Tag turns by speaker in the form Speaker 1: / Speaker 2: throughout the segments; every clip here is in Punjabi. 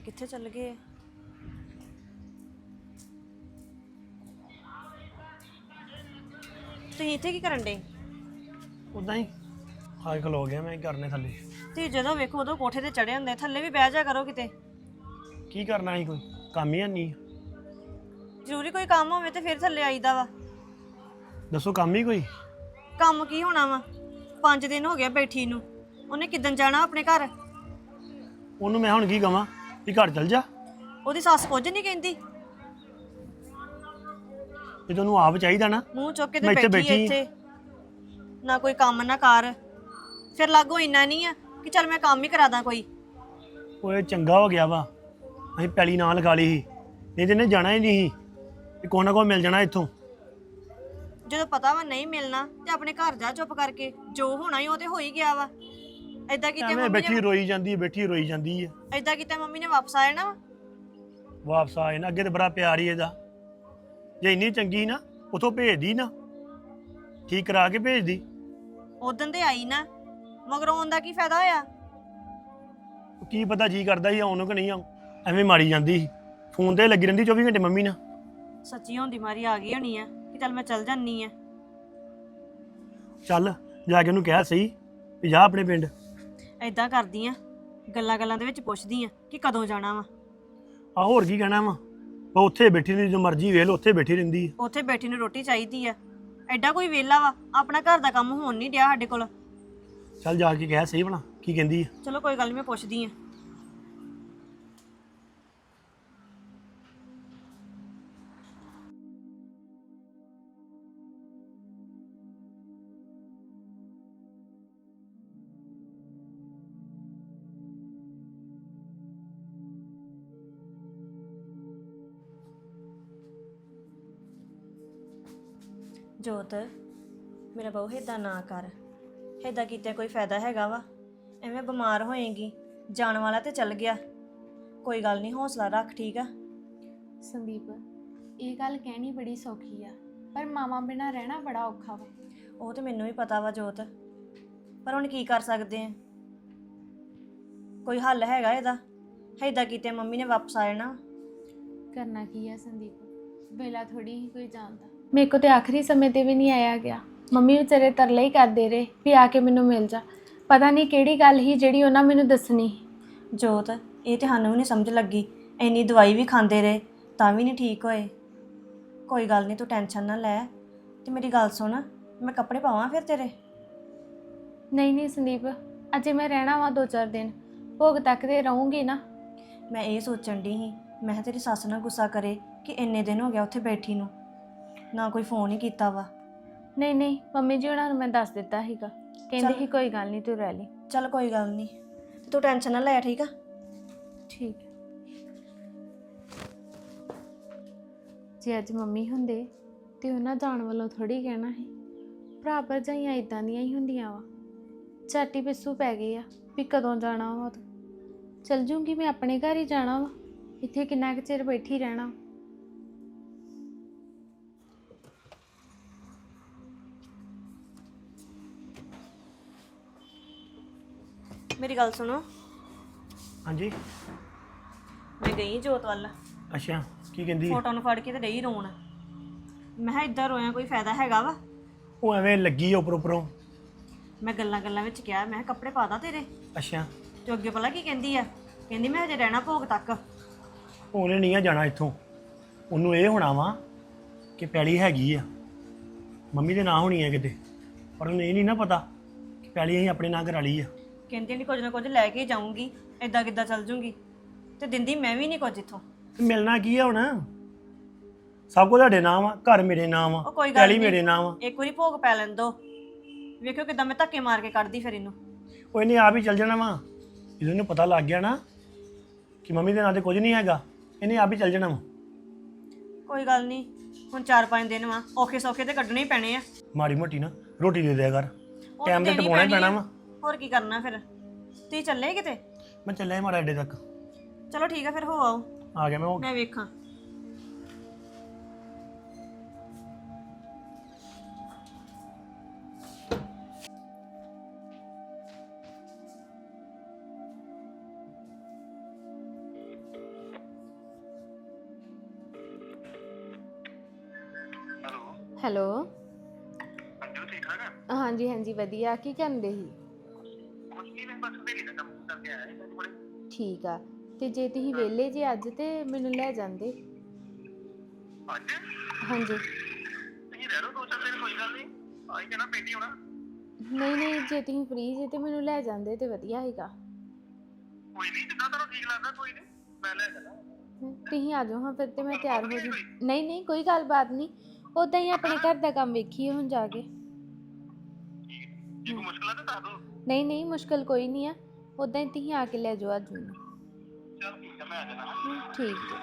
Speaker 1: ਕਿੱਥੇ ਚੱਲ ਗਏ ਆ? ਤੁਸੀਂ ਇੱਥੇ ਕੀ ਕਰਨ ਡੇ?
Speaker 2: ਉਦਾਂ ਹੀ ਹਾਲ ਖਲੋ ਗਿਆ ਮੈਂ ਕਰਨੇ ਥੱਲੇ।
Speaker 1: ਤੁਸੀਂ ਜਦੋਂ ਵੇਖੋ ਉਦੋਂ ਕੋਠੇ ਤੇ ਚੜੇ ਹੁੰਦੇ, ਥੱਲੇ ਵੀ ਬਹਿ ਜਾ ਕਰੋ ਕਿਤੇ।
Speaker 2: ਕੀ ਕਰਨਾ ਸੀ, ਕੋਈ ਕੰਮ ਹੀ ਨਹੀਂ।
Speaker 1: ਜ਼ਰੂਰੀ ਕੋਈ ਕੰਮ ਹੋਵੇ ਤੇ ਫਿਰ ਥੱਲੇ ਆਈਦਾ ਵਾ।
Speaker 2: ਦੱਸੋ ਕੰਮ ਹੀ ਕੋਈ?
Speaker 1: ਕੰਮ ਕੀ ਹੋਣਾ ਵਾ? 5 ਦਿਨ ਹੋ ਗਏ ਬੈਠੀ ਨੂੰ। ਉਹਨੇ ਕਿੱਦਣ ਜਾਣਾ ਆਪਣੇ ਘਰ?
Speaker 2: ਉਹਨੂੰ ਮੈਂ ਹੁਣ ਕੀ ਕਵਾਂ ਵੀ ਘਰ ਚਲ ਜਾ?
Speaker 1: ਉਹਦੀ ਸੱਸ ਕੁਝ ਨਹੀਂ ਕਹਿੰਦੀ?
Speaker 2: ਜੇ ਤੈਨੂੰ ਆਪ ਚਾਹੀਦਾ ਨਾ।
Speaker 1: ਮੂੰਹ ਚੁੱਕ ਕੇ ਤੇ
Speaker 2: ਮੈਂ ਇੱਥੇ
Speaker 1: ਬੈਠੀ
Speaker 2: ਬੈਠੀ
Speaker 1: ਇੱਥੇ, ਨਾ ਕੋਈ ਕੰਮ ਨਾ ਕਰ। ਫਿਰ ਲਾਗੋ ਇੰਨਾ ਨਹੀਂ ਆ ਕਿ ਚੱਲ ਮੈਂ ਕੰਮ ਹੀ ਕਰਾ ਦਾਂ ਕੋਈ।
Speaker 2: ਉਹ ਚੰਗਾ ਹੋ ਗਿਆ ਵਾ, ਅਸੀਂ ਪੈਲੀ ਨਾਲ ਲਗਾ ਲਈ ਸੀ, ਨਹੀਂ ਤੇ ਇਹਨੇ ਜਾਣਾ ਹੀ ਨਹੀਂ ਸੀ ਵੀ ਕੋਈ ਨਾ ਕੋਈ ਮਿਲ ਜਾਣਾ ਇੱਥੋਂ।
Speaker 1: ਜਦੋਂ ਪਤਾ ਵਾ ਨਹੀਂ ਮਿਲਣਾ ਤੇ ਆਪਣੇ ਘਰ ਜਾ ਚੁੱਪ ਕਰਕੇ। ਜੋ ਹੋਣਾ ਹੀ ਉਹ ਤੇ ਹੋ ਹੀ ਗਿਆ ਵਾ। ਏਦਾਂ ਕਿਤੇ
Speaker 2: ਐਵੇਂ
Speaker 1: ਮੰਮੀ
Speaker 2: ਬੈਠੀ
Speaker 1: ਨੇ
Speaker 2: ਰੋਈ ਜਾਂਦੀ ਹੈ, ਬੈਠੀ ਰੋਈ ਜਾਂਦੀ ਹੈ।
Speaker 1: ਏਦਾਂ ਕਿਤੇ ਮੰਮੀ ਨੇ ਵਾਪਸ ਆ ਜਾਣਾ ਵਾ।
Speaker 2: ਵਾਪਸ ਆ ਜਾਣਾ, ਅੱਗੇ ਤੇ ਬੜਾ ਪਿਆਰ ਹੀ ਇਹਦਾ। ਜੇ ਇੰਨੀ ਚੰਗੀ ਸੀ ਨਾ ਉਥੋਂ ਭੇਜਦੀ ਨਾ, ਠੀਕ ਕਰਾ ਕੇ ਭੇਜਦੀ।
Speaker 1: ਉਦੋਂ ਤੇ ਆਈ ਨਾ, ਮਗਰ ਆਉਣ ਦਾ ਕੀ ਫਾਇਦਾ ਹੋਇਆ?
Speaker 2: ਕੀ ਪਤਾ ਜੀ ਕਰਦਾ ਸੀ ਆਉਣ ਨੂੰ ਕਿ ਨਹੀਂ ਆਉਂ, ਐਵੇਂ ਮਾਰੀ ਜਾਂਦੀ ਸੀ। ਫੋਨ ਤੇ ਲੱਗੀ ਰਹਿੰਦੀ 24 ਘੰਟੇ ਮੰਮੀ ਨਾਲ।
Speaker 1: ਸੱਚੀ ਹੁੰਦੀ ਮਾਰੀ ਆ ਗਈ ਹੋਣੀ ਆ ਕਿ ਚੱਲ ਮੈਂ ਚੱਲ ਜਾਨੀ ਆ।
Speaker 2: ਚੱਲ ਜਾ ਕੇ ਉਹਨੂੰ ਕਹਿ ਸਹੀ ਵੀ ਜਾ ਆਪਣੇ ਪਿੰਡ।
Speaker 1: ਏਦਾਂ ਕਰਦੀ ਆ, ਗੱਲਾਂ ਗੱਲਾਂ ਦੇ ਵਿੱਚ ਪੁੱਛਦੀ ਆ ਕਿ ਕਦੋਂ ਜਾਣਾ ਵਾ।
Speaker 2: ਆ ਹੋਰ ਕੀ ਕਹਿਣਾ ਵਾ, ਉਹ ਉੱਥੇ ਬੈਠੀ ਰਹਿੰਦੀ, ਜੋ ਮਰਜ਼ੀ ਵੇਖ ਲਓ ਉੱਥੇ ਬੈਠੀ ਰਹਿੰਦੀ ਹੈ।
Speaker 1: ਉੱਥੇ ਬੈਠੀ ਨੂੰ ਰੋਟੀ ਚਾਹੀਦੀ ਆ। ਐਡਾ ਕੋਈ ਵਿਹਲਾ ਵਾ? ਆਪਣਾ ਘਰ ਦਾ ਕੰਮ ਹੋਣ ਨਹੀਂ ਡਿਆ ਸਾਡੇ ਕੋਲ।
Speaker 2: ਚੱਲ ਜਾ ਕੇ ਕਹਿ ਸਹੀ ਭਲਾ ਕੀ ਕਹਿੰਦੀ ਹੈ।
Speaker 1: ਚਲੋ ਕੋਈ ਗੱਲ ਨਹੀਂ, ਮੈਂ ਪੁੱਛਦੀ ਆ। ਜੋਤ, ਮੇਰਾ ਬਹੁ ਏਦਾਂ ਨਾ ਕਰ। ਏਦਾਂ ਕੀਤੇ ਕੋਈ ਫਾਇਦਾ ਹੈਗਾ ਵਾ? ਐਵੇਂ ਬਿਮਾਰ ਹੋਏਗੀ। ਜਾਣ ਵਾਲਾ ਤੇ ਚੱਲ ਗਿਆ। ਕੋਈ ਗੱਲ ਨਹੀਂ, ਹੌਸਲਾ ਰੱਖ, ਠੀਕ ਆ?
Speaker 3: ਸੰਦੀਪ, ਇਹ ਗੱਲ ਕਹਿਣੀ ਬੜੀ ਸੌਖੀ ਆ, ਪਰ ਮਾਵਾਂ ਬਿਨਾਂ ਰਹਿਣਾ ਬੜਾ ਔਖਾ ਵਾ।
Speaker 1: ਉਹ ਤੇ ਮੈਨੂੰ ਵੀ ਪਤਾ ਵਾ ਜੋਤ, ਪਰ ਹੁਣ ਕੀ ਕਰ ਸਕਦੇ ਆ? ਕੋਈ ਹੱਲ ਹੈਗਾ ਇਹਦਾ? ਏਦਾਂ ਕੀਤੇ ਮੰਮੀ ਨੇ ਵਾਪਸ ਆ ਜਾਣਾ।
Speaker 3: ਕਰਨਾ ਕੀ ਆ ਸੰਦੀਪ, ਵੇਲਾ ਥੋੜੀ ਹੀ ਕੋਈ ਜਾਣਦਾ। ਮੇਰੇ ਕੋ ਤੇ ਆਖਰੀ ਸਮੇਂ ਤੇ ਵੀ ਨਹੀਂ ਆਇਆ ਗਿਆ। ਮੰਮੀ ਵਿਚਾਰੇ ਤਰਲੇ ਹੀ ਕਰਦੇ ਰਹੇ ਵੀ ਆ ਕੇ ਮੈਨੂੰ ਮਿਲ ਜਾ। ਪਤਾ ਨਹੀਂ ਕਿਹੜੀ ਗੱਲ ਸੀ ਜਿਹੜੀ ਉਹਨਾਂ ਮੈਨੂੰ ਦੱਸਣੀ।
Speaker 1: ਜੋਤ, ਇਹ ਤੇ ਸਾਨੂੰ ਵੀ ਨਹੀਂ ਸਮਝ ਲੱਗੀ। ਇੰਨੀ ਦਵਾਈ ਵੀ ਖਾਂਦੇ ਰਹੇ ਤਾਂ ਵੀ ਨਹੀਂ ਠੀਕ ਹੋਏ। ਕੋਈ ਗੱਲ ਨਹੀਂ, ਤੂੰ ਟੈਨਸ਼ਨ ਨਾ ਲੈ। ਤੇ ਮੇਰੀ ਗੱਲ ਸੁਣ, ਮੈਂ ਕੱਪੜੇ ਪਾਵਾਂ ਫਿਰ ਤੇਰੇ?
Speaker 3: ਨਹੀਂ ਨਹੀਂ ਸੰਦੀਪ, ਅਜੇ ਮੈਂ ਰਹਿਣਾ ਵਾ 2-4 ਦਿਨ, ਭੋਗ ਤੱਕ ਤੇ ਰਹੂੰਗੀ ਨਾ।
Speaker 1: ਮੈਂ ਇਹ ਸੋਚਣ ਦੀ ਸੀ, ਮੈਂ ਕਿਹਾ ਤੇਰੀ ਸੱਸ ਨਾ ਗੁੱਸਾ ਕਰੇ ਕਿ ਇੰਨੇ ਦਿਨ ਹੋ ਗਿਆ ਉੱਥੇ ਬੈਠੀ ਨੂੰ, ਨਾ ਕੋਈ ਫੋਨ ਹੀ ਕੀਤਾ ਵਾ।
Speaker 3: ਨਹੀਂ ਨਹੀਂ, ਮੰਮੀ ਜੀ ਉਹਨਾਂ ਨੂੰ ਮੈਂ ਦੱਸ ਦਿੱਤਾ ਸੀਗਾ, ਕਹਿੰਦੇ ਸੀ ਕੋਈ ਗੱਲ ਨਹੀਂ ਤੂੰ ਰਹਿ ਲਈ।
Speaker 1: ਚੱਲ ਕੋਈ ਗੱਲ ਨਹੀਂ, ਤੂੰ ਟੈਨਸ਼ਨ ਨਾ ਲੈ, ਠੀਕ ਆ?
Speaker 3: ਠੀਕ ਹੈ। ਜੇ ਅੱਜ ਮੰਮੀ ਹੁੰਦੇ ਤੇ ਉਹਨਾਂ ਜਾਣ ਵੱਲੋਂ ਥੋੜੀ ਕਹਿਣਾ ਸੀ। ਭਰਾ ਭਰਜਾਈਆਂ ਇਦਾਂ ਦੀਆਂ ਹੀ ਹੁੰਦੀਆਂ ਵਾ, ਝਾਟੀ ਪਿੱਛੂ ਪੈ ਗਏ ਆ ਵੀ ਕਦੋਂ ਜਾਣਾ ਵਾ। ਚਲ ਜੂੰਗੀ ਮੈਂ, ਆਪਣੇ ਘਰ ਹੀ ਜਾਣਾ ਵਾ, ਇੱਥੇ ਕਿੰਨਾ ਕੁ ਚਿਰ ਬੈਠੀ ਰਹਿਣਾ।
Speaker 1: ਮੇਰੀ ਗੱਲ ਸੁਣੋ।
Speaker 2: ਹਾਂਜੀ।
Speaker 1: ਮੈਂ ਗਈ ਜੋਤ ਵੱਲ,
Speaker 2: ਅੱਛਾ, ਕੀ ਕਹਿੰਦੀ ਹੈ?
Speaker 1: ਫੋਟੋ ਨੂੰ ਫੜ ਕੇ ਤੇ ਡਈ ਰੋਣ। ਮੈਂ ਕਿਹਾ ਇੱਦਾਂ ਰੋਇਆ ਕੋਈ ਫਾਇਦਾ ਹੈਗਾ ਵਾ?
Speaker 2: ਉਹ ਐਵੇਂ ਲੱਗੀ ਆ ਉੱਪਰੋਂ।
Speaker 1: ਮੈਂ ਗੱਲਾਂ ਗੱਲਾਂ ਵਿੱਚ ਕਿਹਾ, ਮੈਂ ਕਿਹਾ ਕੱਪੜੇ ਪਾ ਦਾਂ ਤੇਰੇ?
Speaker 2: ਅੱਛਾ।
Speaker 1: ਤੇ ਅੱਗੇ ਭਲਾ ਕੀ ਕਹਿੰਦੀ ਆ? ਕਹਿੰਦੀ ਮੈਂ ਹਜੇ ਰਹਿਣਾ ਭੋਗ ਤੱਕ।
Speaker 2: ਉਹਨੇ ਨਹੀਂ ਆ ਜਾਣਾ ਇੱਥੋਂ। ਉਹਨੂੰ ਇਹ ਹੋਣਾ ਵਾ ਕਿ ਪੈਲੀ ਹੈਗੀ ਆ ਮੰਮੀ ਦੇ ਨਾਂ ਹੋਣੀ ਆ ਕਿਤੇ, ਪਰ ਉਹਨੂੰ ਇਹ ਨਹੀਂ ਨਾ ਪਤਾ ਕਿ ਪੈਲੀ ਅਸੀਂ ਆਪਣੇ ਨਾਂ ਕਰਾ ਲਈ ਆ।
Speaker 1: ਕਹਿੰਦੀ ਨਹੀਂ ਕੁਝ ਨਾ ਕੁਝ ਲੈ ਕੇ ਜਾਊਂਗੀ, ਏਦਾਂ ਕਿੱਦਾਂ ਚੱਲ ਜੂੰਗੀ? ਤੇ ਦਿੰਦੀ ਮੈਂ ਵੀ ਨਹੀਂ ਕੁਝ ਇੱਥੋਂ।
Speaker 2: ਤੇ ਮਿਲਣਾ ਕੀ ਆ ਹੁਣ? ਸਭ ਕੁਝ ਤੁਹਾਡੇ ਨਾਮ ਆ, ਘਰ ਮੇਰੇ ਨਾਮ ਆ,
Speaker 1: ਉਹ ਕੋਈ ਗੱਲ
Speaker 2: ਪੈਲੀ
Speaker 1: ਨਹੀਂ,
Speaker 2: ਮੇਰੇ ਨਾਮ ਆ।
Speaker 1: ਇੱਕ ਵਾਰੀ ਭੋਗ ਪੈ ਲੈਣ ਦੋ, ਵੇਖਿਓ ਕਿੱਦਾਂ ਮੈਂ ਧੱਕੇ ਮਾਰ ਕੇ ਕੱਢਦੀ ਫਿਰ ਇਹਨੂੰ।
Speaker 2: ਉਹ ਇਹਨੇ ਆਪ ਹੀ ਚੱਲ ਜਾਣਾ ਵਾ, ਜਦੋਂ ਇਹਨੂੰ ਪਤਾ ਲੱਗ ਗਿਆ ਨਾ ਕਿ ਮੰਮੀ ਦੇ ਨਾਂ ਤੇ ਕੁਝ ਨਹੀਂ ਹੈਗਾ, ਇਹਨੇ ਆਪ ਹੀ ਚੱਲ ਜਾਣਾ ਵਾ।
Speaker 1: ਕੋਈ ਗੱਲ ਨਹੀਂ, ਹੁਣ 4-5 ਦਿਨ ਵਾ, ਔਖੇ ਸੌਖੇ ਤੇ ਕੱਢਣੇ ਹੀ ਪੈਣੇ ਆ।
Speaker 2: ਮਾੜੀ ਮੋਟੀ ਨਾ ਰੋਟੀ ਦੇ ਦਿਆ ਕਰ,
Speaker 1: ਉਹ
Speaker 2: ਟਾਈਮ ਤੇ
Speaker 1: ਦੇਣੀ
Speaker 2: ਟਪਾਉਣਾ ਹੀ
Speaker 1: ਪੈਣੀ
Speaker 2: ਪੈਣਾ
Speaker 1: ਆ।
Speaker 2: ਵਾ।
Speaker 1: ਹੋਰ ਕੀ ਕਰਨਾ ਫਿਰ? ਤੁਸੀਂ ਚੱਲੇ ਕਿਤੇ?
Speaker 2: ਮੈਂ ਚੱਲਿਆ ਮਾੜਾ ਅੱਡੇ ਤੱਕ।
Speaker 1: ਚਲੋ ਠੀਕ ਆ, ਫਿਰ ਹੋ ਆਓ,
Speaker 2: ਆ ਗਿਆ ਮੈਂ।
Speaker 1: ਮੈਂ ਵੇਖਾਂ।
Speaker 3: ਹੈਲੋ।
Speaker 4: ਅੰਜੂ ਠੀਕ ਠਾਕ ਆ?
Speaker 3: ਹਾਂਜੀ ਹਾਂਜੀ ਵਧੀਆ। ਕੀ ਕਰਦੇ ਸੀ?
Speaker 4: ਕੁਛ ਨਹੀਂ, ਮੈਂ ਬਸ ਵੇਲੇ ਦਾ ਕੰਮ ਕਰਕੇ ਆਇਆ ਸੀ ਕੋਲੇ।
Speaker 3: ਠੀਕ ਆ। ਤੇ ਜੇ ਤੁਸੀਂ ਵਿਹਲੇ ਜੇ ਅੱਜ ਤੇ ਮੈਨੂੰ ਲੈ ਜਾਂਦੇ।
Speaker 4: ਅੱਜ
Speaker 3: ਹਾਂਜੀ।
Speaker 4: ਤੁਸੀਂ ਰਹਿ ਲਓ 2-4 ਦਿਨ, ਕੋਈ ਗੱਲ ਨਹੀਂ। ਆਈ ਜਾਣਾ, ਪਿੰਡ ਹੀ ਹੋਣਾ।
Speaker 3: ਨਹੀਂ ਨਹੀਂ, ਜੇ ਤੁਸੀਂ ਫ੍ਰੀ ਜੇ ਤੇ ਮੈਨੂੰ ਲੈ ਜਾਂਦੇ ਤੇ ਵਧੀਆ ਹੈਗਾ।
Speaker 4: ਕੋਈ ਨਹੀਂ, ਜਿੱਦਾਂ ਤੁਹਾਨੂੰ ਠੀਕ ਲੱਗਦਾ, ਕੋਈ ਨਹੀਂ, ਮੈਂ ਲੈ ਜਾਣਾ।
Speaker 3: ਤੁਸੀਂ ਆ ਜਾਓ ਹਾਂ ਫਿਰ ਤੇ ਮੈਂ ਤਿਆਰ ਹੋ
Speaker 4: ਗੱਲਬਾਤ
Speaker 3: ਜੂ।
Speaker 4: ਨਹੀਂ
Speaker 3: ਨਹੀਂ ਨਹੀਂ, ਕੋਈ ਗੱਲਬਾਤ ਨਹੀਂ। ਉਦਾਂ ਹੀ ਆਪਣੇ ਘਰ ਦਾ ਕੰਮ ਵੇਖੀਏ ਹੁਣ ਜਾ ਕੇ।
Speaker 4: ਜੇ ਕੋਈ ਮੁਸ਼ਕਲ ਆ ਤਾਂ ਦੱਸ ਦਿਓ।
Speaker 3: ਨਹੀਂ ਨਹੀਂ, ਮੁਸ਼ਕਲ ਕੋਈ ਨਹੀਂ ਆ। ਉਦਾਂ ਹੀ ਤੁਸੀਂ ਆ ਕੇ ਲੈ ਜਾਓ ਅੱਜ ਮੈਨੂੰ।
Speaker 4: ਚਲ ਠੀਕ ਆ, ਮੈਂ ਆ ਜਾਣਾ।
Speaker 3: ਠੀਕ ਜੀ।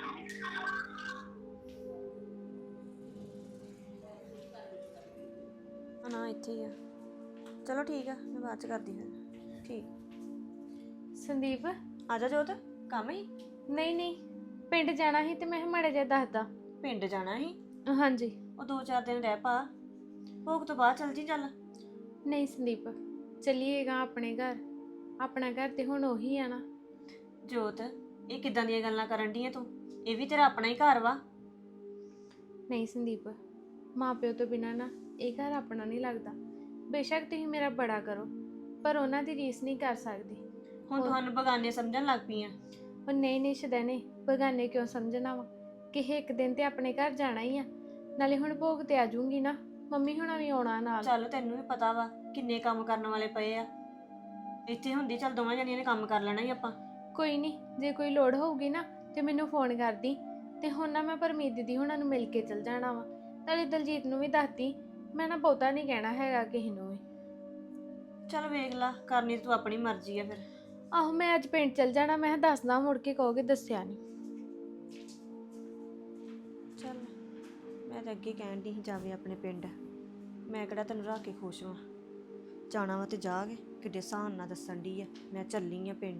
Speaker 1: ਨਾ ਇੱਥੇ ਹੀ ਆ। ਚਲੋ ਠੀਕ ਆ, ਮੈਂ ਬਾਅਦ ਚ ਕਰਦੀ ਫਿਰ। ਠੀਕ।
Speaker 3: ਸੰਦੀਪ।
Speaker 1: ਆ ਜਾ ਜੋਤ, ਕੰਮ ਹੀ
Speaker 3: ਨਹੀਂ ਨਹੀਂ, ਪਿੰਡ ਜਾਣਾ ਸੀ ਤੇ ਮੈਂ ਮਾੜਾ ਜਿਹਾ ਦੱਸਦਾ।
Speaker 1: ਪਿੰਡ ਜਾਣਾ ਸੀ।
Speaker 3: ਹਾਂਜੀ।
Speaker 1: ਉਹ 2-4 ਦਿਨ ਰਹਿ ਪਾ, ਭੋਗ ਤੋਂ ਬਾਅਦ ਚੱਲ ਜੀ ਚੱਲ।
Speaker 3: ਨਹੀਂ ਸੰਦੀਪ, ਚੱਲੀਏਗਾ ਆਪਣੇ ਘਰ। ਆਪਣਾ ਘਰ ਤੇ ਹੁਣ ਉਹੀ ਆ ਨਾ।
Speaker 1: ਜੋਤ, ਇਹ ਕਿੱਦਾਂ ਦੀਆਂ ਗੱਲਾਂ ਕਰਨ ਢੀ ਆ ਤੂੰ? ਇਹ ਵੀ ਤੇਰਾ ਆਪਣਾ ਹੀ ਘਰ ਵਾ।
Speaker 3: ਨਹੀਂ ਸੰਦੀਪ, ਮਾਂ ਪਿਓ ਤੋਂ ਬਿਨਾਂ ਨਾ ਇਹ ਘਰ ਆਪਣਾ ਨਹੀਂ ਲੱਗਦਾ। ਬੇਸ਼ੱਕ ਤੁਸੀਂ ਮੇਰਾ ਬੜਾ ਕਰੋ, ਪਰ ਉਹਨਾਂ ਦੀ ਰੀਸ ਨਹੀਂ ਕਰ ਸਕਦੀ।
Speaker 1: ਹੁਣ ਤੁਹਾਨੂੰ ਬਗਾਨੇ ਸਮਝਣ ਲੱਗ ਪਈਆਂ।
Speaker 3: ਉਹ ਨਹੀਂ ਨਹੀਂ ਸ਼ਦੈਨੇ, ਬਗਾਨੇ ਕਿਉਂ ਸਮਝਣਾ ਵਾ? ਕਿਸੇ ਇੱਕ ਦਿਨ ਤੇ ਆਪਣੇ ਘਰ ਜਾਣਾ ਹੀ ਆ। ਨਾਲੇ ਹੁਣ ਭੋਗ ਤੇ ਆ ਜਾਊਂਗੀ ਨਾ, ਮੰਮੀ ਹੁਣਾਂ ਵੀ ਆਉਣਾ ਨਾਲ।
Speaker 1: ਚੱਲ ਤੈਨੂੰ ਵੀ ਪਤਾ ਵਾ ਕਿੰਨੇ ਕੰਮ ਕਰਨ ਵਾਲੇ ਪਏ ਆ। ਇੱਥੇ ਹੁੰਦੀ ਚੱਲ ਦੋਵਾਂ ਜਣੀਆਂ ਨੇ ਕੰਮ ਕਰ ਲੈਣਾ ਹੀ ਆਪਾਂ।
Speaker 3: ਕੋਈ ਨਹੀਂ, ਜੇ ਕੋਈ ਲੋੜ ਹੋਊਗੀ ਨਾ ਤੇ ਮੈਨੂੰ ਫੋਨ ਕਰਦੀ। ਤੇ ਹੁਣ ਨਾ ਮੈਂ ਪਰਮੀਤ ਦੀਦੀ ਹੁਣਾਂ ਨੂੰ ਮਿਲ ਕੇ ਚਲ ਜਾਣਾ ਵਾ। ਨਾਲੇ ਦਲਜੀਤ ਨੂੰ ਵੀ ਦੱਸਦੀ, ਮੈਂ ਨਾ ਬਹੁਤਾ ਨਹੀਂ ਕਹਿਣਾ ਹੈਗਾ ਕਿਸੇ ਨੂੰ ਵੀ।
Speaker 1: ਚੱਲ ਵੇਖ ਲਾ, ਕਰਨੀ ਤੂੰ ਆਪਣੀ ਮਰਜ਼ੀ ਆ ਫਿਰ।
Speaker 3: ਆਹੋ, ਮੈਂ ਅੱਜ ਪਿੰਡ ਚਲ ਜਾਣਾ। ਮੈਂ ਦੱਸਦਾ, ਮੁੜ ਕੇ ਕਹੋਗੇ ਦੱਸਿਆ ਨਹੀਂ।
Speaker 1: ਚੱਲ, ਮੈਂ ਤਾਂ ਅੱਗੇ ਕਹਿਣ ਦੀ ਸੀ ਜਾਵੇ ਆਪਣੇ ਪਿੰਡ। ਮੈਂ ਕਿਹੜਾ ਤੈਨੂੰ ਰੱਖ ਕੇ ਖੁਸ਼ ਹਾਂ। ਜਾਣਾ ਵਾ ਤੇ ਜਾਗੇ, ਕਿੱਡੇ ਸਾਨ ਨਾਲ ਦੱਸਣ ਦੀ ਆ ਮੈਂ ਚੱਲੀ ਆ ਪਿੰਡ।